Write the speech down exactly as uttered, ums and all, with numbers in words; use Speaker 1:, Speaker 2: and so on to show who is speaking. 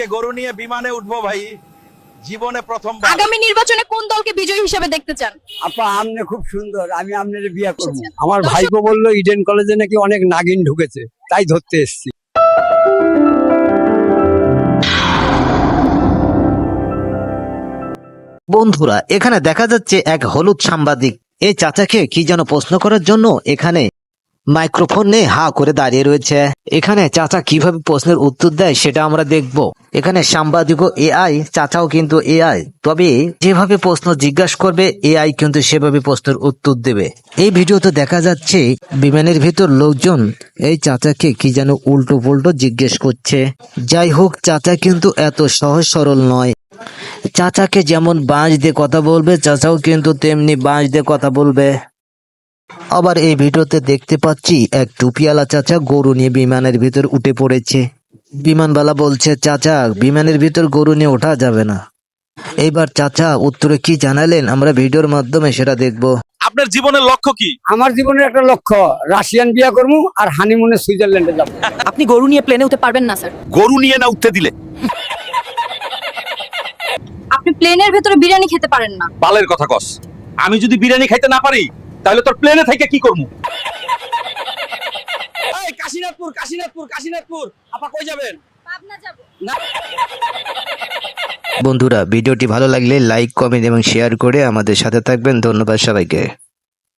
Speaker 1: গরু নিয়ে বিমানে উঠবো ভাই, জীবনে প্রথমবার।
Speaker 2: আগামী নির্বাচনে কোন দলকে বিজয়ী হিসেবে দেখতে চান?
Speaker 3: আপা আমনে খুব সুন্দর, আমি আমনের বিয়ে করব।
Speaker 2: আচ্ছা।
Speaker 3: আমার
Speaker 2: দর্শক-
Speaker 3: ভাইপো বললো ইডেন কলেজে নাকি অনেক নাগিন ঢুকেছে, তাই ধরতে এসেছি।
Speaker 4: বন্ধুরা, এখানে দেখা যাচ্ছে এক হলুদ সাংবাদিক এই চাচাকে কি যেন প্রশ্ন করার জন্য এখানে মাইক্রোফোন নিয়ে হা করে দাঁড়িয়ে রয়েছে। এখানে চাচা কিভাবে প্রশ্নের উত্তর দেয় সেটা আমরা দেখব। এখানে সাংবাদিকও এআই, চাচাও কিন্তু এআই, তবে যেভাবে প্রশ্ন জিজ্ঞাসা করবে এআই কিন্তু সেভাবে প্রশ্নের উত্তর দেবে। এই ভিডিওতে দেখা যাচ্ছে বিমানের ভিতর লোকজন এই চাচাকে কি যেন উল্টো পুল্টো জিজ্ঞেস করছে। যাই হোক, চাচা কিন্তু এত সহজ সরল নয়। চাচাকে যেমন বাঁশ দিয়ে কথা বলবে, চাচাও কিন্তু তেমনি বাঁশ দিয়ে কথা বলবে। আবার এই ভিডিওতে দেখতে পাচ্ছি এক টুপিওয়ালা চাচা গরু নিয়ে বিমানের ভিতর উঠে পড়েছে। বিমানবালা বলছে, চাচা বিমানের ভিতর গরু নিয়ে ওঠা যাবে না। এইবার চাচা উত্তরে কি জানালেন আমরা ভিডিওর মাধ্যমে সেটা দেখব।
Speaker 1: আপনার জীবনের লক্ষ্য কি?
Speaker 3: আমার জীবনের একটা লক্ষ্য, রাশিয়ান বিয়ে করবো আর হানিমুনে সুইজারল্যান্ডে যাবো।
Speaker 2: আপনি গরু নিয়ে প্লেনে উঠতে পারবেন না স্যার।
Speaker 1: গরু নিয়ে না উঠতে দিলে
Speaker 2: আপনি প্লেনের ভেতরে বিরিয়ানি খেতে পারেন না।
Speaker 1: বালের কথা কস। আমি যদি বিরিয়ানি খাইতে না পারি তাহলে তোর প্লেনে থেকে কি করবো? এই কাশীনাথপুর, কাশীনাথপুর, কাশীনাথপুর। আপা কই যাবেন?
Speaker 2: পাবনা যাব।
Speaker 4: বন্ধুরা, ভিডিওটি ভালো লাগলে লাইক, কমেন্ট এবং শেয়ার করে আমাদের সাথে থাকবেন। ধন্যবাদ সবাইকে।